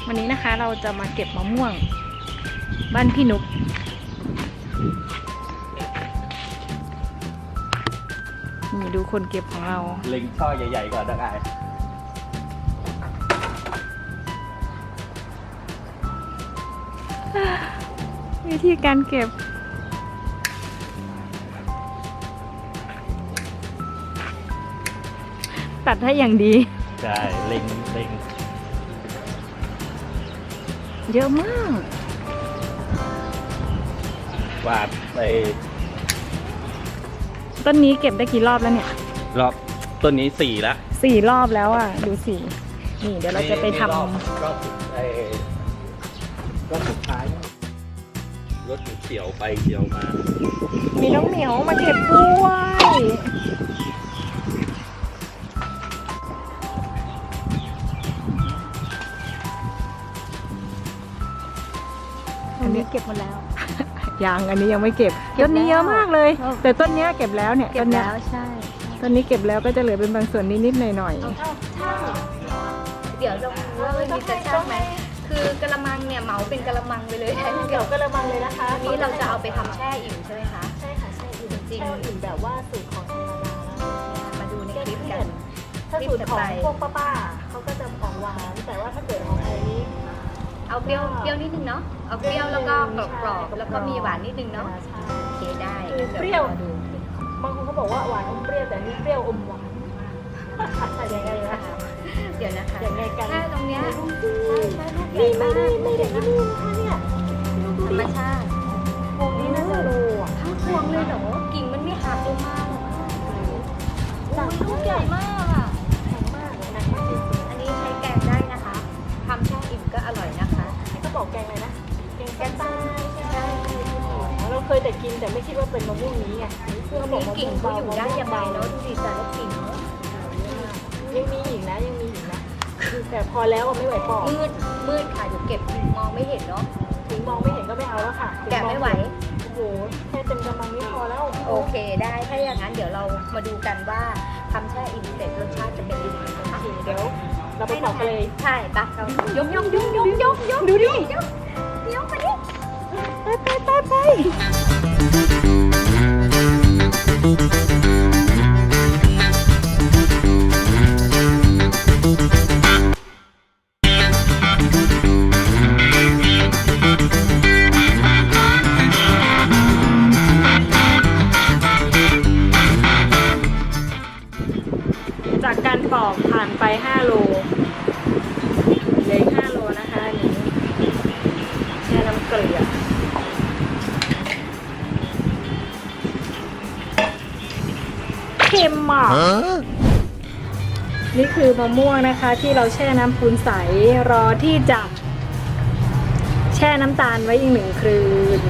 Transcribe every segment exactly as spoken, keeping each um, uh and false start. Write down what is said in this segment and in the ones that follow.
วันนี้นะคะเราจะมาเก็บมะม่วงบ้านพี่นุ๊กนี่ดูคนเก็บของเราเล็งช่อใหญ่ๆก่อนได้วิธีการเก็บตัดให้อย่างดีใช่เล็งเล็งเยอะมากวาดไปต้นนี้เก็บได้กี่รอบแล้วเนี่ยรอบต้นนี้สี่แล้วสี่รอบแล้วอ่ะดูสินี่เดี๋ยวเราจะไปทำรอบรอบสุดไอ้รอบสุดท้ายรถเกี่ยวไปเกี่ยวมามีน้องเหมียวมาเก็บด้วยอันนี้เก็บหมดแล้วยังอันนี้ยังไม่เก็บต้นนี้เยอะมากเลยแต่ต้นนี้เก็บแล้วเนี่ยต้นนี้ใช่ต้นนี้เก็บแล้วก็จะเหลือเป็นบางส่วนนิดๆหน่อยๆเดี๋ยวเราเรามีจะช่างไหมคือกระมังเนี่ยเหมาเป็นกระมังไปเลยเดี๋ยวกระมังเลยนะคะนี้เราจะเอาไปทำแช่อิ่มใช่ไหมคะใช่ค่ะแช่อิ่มจริงอิ่มแบบว่าสูตรของธรรมดามาดูในคลิปกันถ้าสูตรของพวกป้าๆเขาก็จะออกหวานแต่ว่าถ้าเกิดของไอ้นี้เอาเปรี้ยวเปรี้ยวนิดนึงเนาะเอาเปรี้ยวแล้วก็กรอบๆแล้วก็มีหวานนิดนึงเนาะโอเคได้เปรี้ยวบางคนเขาบอกว่าหวานอมเปรี้ยวแต่นี่เปรี้ยวอมหวานใช่ยังไงล่ะเดี๋ยวนะคะยังไงกันแค่ตรงเนี้ยนี่ไม่ได้ไม่ได้ที่นี่นะคะเนี่ยธรรมชาติพวงนี้น่าจะรูอ่ะทั้งพวงเลยเหรอกิ่งมันไม่หักลงมาหรอจังลูกใหญ่มากอ่ะแข็งมากหนักมากจริงอันนี้ใช้แกงได้นะคะทำแช่อิ่มก็อร่อยนะคะก็บอกแกงเลยนะแกงแกงใต้ใช่เราเคยแต่กินแต่ไม่คิดว่าเป็นมะม่วงนี้ไงเพื่อบอกกิ่งเขาอยู่ได้ยังไงเนาะดูดิแต่ละกิ่งเนาะยังมีอีกนะยังมีอีกนะแต่พอแล้วไม่ไหวปอกมืดมืดค่ะเดี๋ยวเก็บมองไม่เห็นเนาะถึงมองไม่เห็นก็ไม่เอาแล้วค่ะแกะไม่ไหวโอ้โหแค่เต็มกำลังไม่พอแล้วโอเคได้ถ้าอย่างนั้นเดี๋ยวเรามาดูกันว่าทำแช่อิ่มเสร็จรสชาติจะเป็นยังไงนะคะเดี๋ยวเราไปปอกเลยใช่ปะเรายกยกยกยกยกยกดูดิยกยกมาดิไปไปไปไปจากการปอกผ่านไปห้าโลเหลืออีกห้าโลนะคะอันนี้แช่น้ำเกลือเค็มมากนี่คือมะม่วงนะคะที่เราแช่น้ำปูนใสรอที่จะแช่น้ำตาลไว้อีกหนึ่งคืน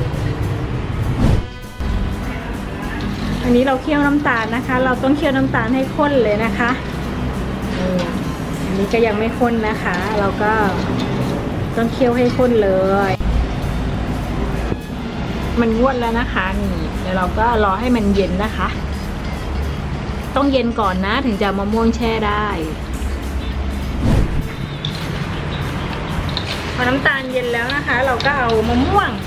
อันนี้เราเคี่ยวน้ำตาลนะคะเราต้องเคี่ยวน้ำตาลให้ข้นเลยนะคะอันนี้ก็ยังไม่ข้นนะคะเราก็ต้องเคี่ยวให้ข้นเลยมันงวดแล้วนะคะนี่เดี๋ยวเราก็รอให้มันเย็นนะคะต้องเย็นก่อนนะถึงจะมะม่วงแช่ได้พอน้ำตาลเย็นแล้วนะคะเราก็เอามะม่วง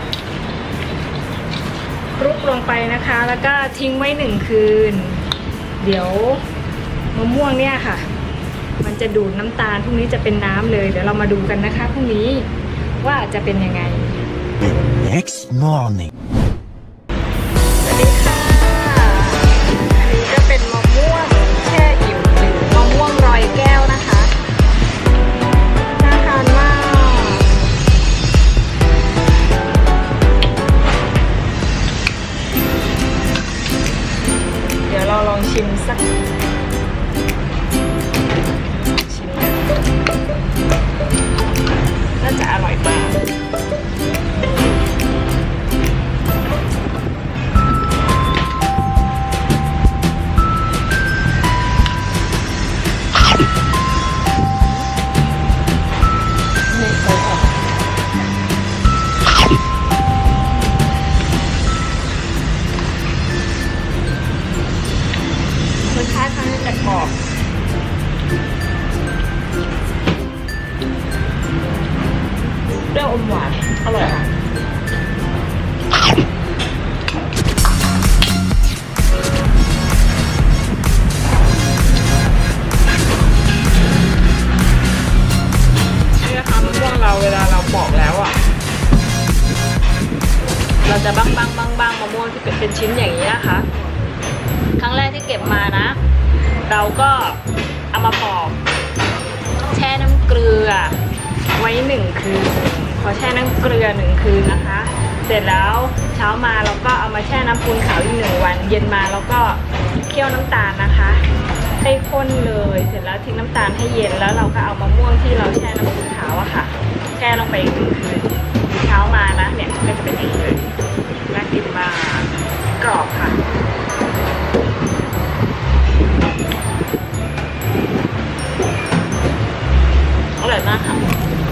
คลุกลงไปนะคะแล้วก็ทิ้งไว้หนึ่งคืนเดี๋ยวมะม่วงเนี่ยค่ะมันจะดูดน้ำตาลพรุ่งนี้จะเป็นน้ำเลยเดี๋ยวเรามาดูกันนะคะพรุ่งนี้ว่าจะเป็นยังไง The next morning สวัสดีค่ะอันนี้ก็เป็นมะม่วงแช่อิ่มหรือมะม่วงรอยแก้วนะคะน่าทานมากเดี๋ยวเราลองชิมสักชิมน่าจะอร่อยมากรสชาติเขาจะกรอบเปรี้ยวอมหวานอร่อยค่ะนี่นะคะมะม่วงเราเวลาเราปอกแล้วอ่ะเราจะบ้างบ้างบ้างบ้างมะม่วงที่เป็นเป็นชิ้นอย่างนี้นะคะ ครั้งแรกที่เก็บมานะ เราก็เอามาปอกแช่น้ำเกลือไว้หนึ่งคืนพอแช่น้ำเกลือหนึ่งคืนนะคะ เสร็จแล้วเช้ามาเราก็เอามาแช่น้ำปูนขาวอีกหนึ่งวัน เย็นมาเราก็เคี่ยวน้ำตาลนะคะให้ข้นเลยเสร็จแล้วทิ้งน้ำตาลให้เย็นแล้วเราก็เอามะม่วงที่เราแช่น้ำปูนขาวอะค่ะแช่ลงไปอีกหนึ่งคืนเช้ามานะเนี่ยก็จะเป็นอย่างนี้เลยน่ากินมากกรอบค่ะอร่อยมากค่ะ